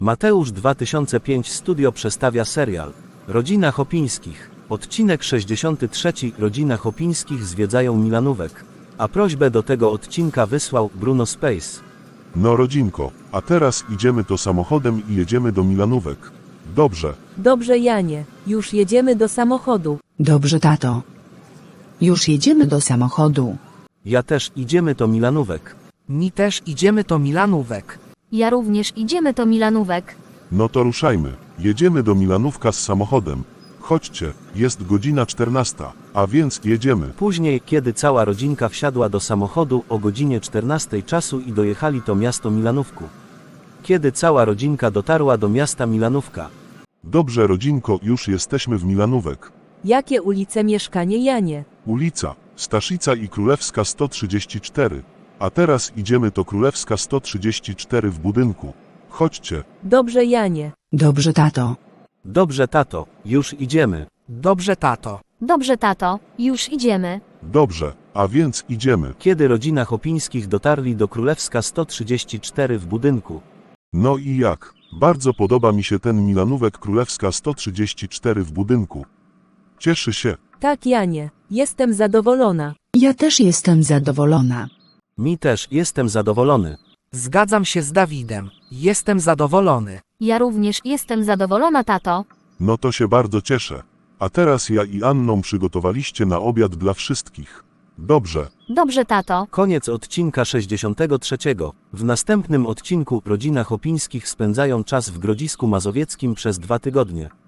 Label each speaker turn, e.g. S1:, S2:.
S1: Mateusz 2005 Studio przedstawia serial Rodzina Chopińskich. Odcinek 63. Rodzina Chopińskich zwiedzają Milanówek. A prośbę do tego odcinka wysłał Bruno Space.
S2: No rodzinko, a teraz idziemy to samochodem i jedziemy do Milanówek. Dobrze.
S3: Dobrze, Janie, już jedziemy do samochodu.
S4: Dobrze, tato. Już jedziemy do samochodu.
S1: Ja też idziemy do Milanówek.
S5: Mi też idziemy do Milanówek.
S6: Ja również idziemy do Milanówek.
S2: No to ruszajmy. Jedziemy do Milanówka z samochodem. Chodźcie, jest godzina 14, a więc jedziemy.
S1: Później, kiedy cała rodzinka wsiadła do samochodu o godzinie 14 czasu i dojechali do miasto Milanówku. Kiedy cała rodzinka dotarła do miasta Milanówka.
S2: Dobrze rodzinko, już jesteśmy w Milanówek.
S3: Jakie ulice, mieszkanie, Janie?
S2: Ulica Staszica i Królewska 134. A teraz idziemy do Królewska 134 w budynku. Chodźcie.
S3: Dobrze, Janie.
S4: Dobrze, tato.
S1: Dobrze, tato, już idziemy.
S5: Dobrze, tato.
S6: Dobrze, tato, już idziemy.
S2: Dobrze, a więc idziemy.
S1: Kiedy rodzina Chopińskich dotarli do Królewska 134 w budynku.
S2: No i jak? Bardzo podoba mi się ten Milanówek Królewska 134 w budynku. Cieszy się.
S3: Tak, Janie, jestem zadowolona.
S4: Ja też jestem zadowolona.
S1: Mi też, jestem zadowolony.
S5: Zgadzam się z Dawidem. Jestem zadowolony.
S6: Ja również jestem zadowolona, tato.
S2: No to się bardzo cieszę. A teraz ja i Anną przygotowaliście na obiad dla wszystkich. Dobrze.
S6: Dobrze, tato.
S1: Koniec odcinka 63. W następnym odcinku rodzina Chopińskich spędzają czas w Grodzisku Mazowieckim przez 2 tygodnie.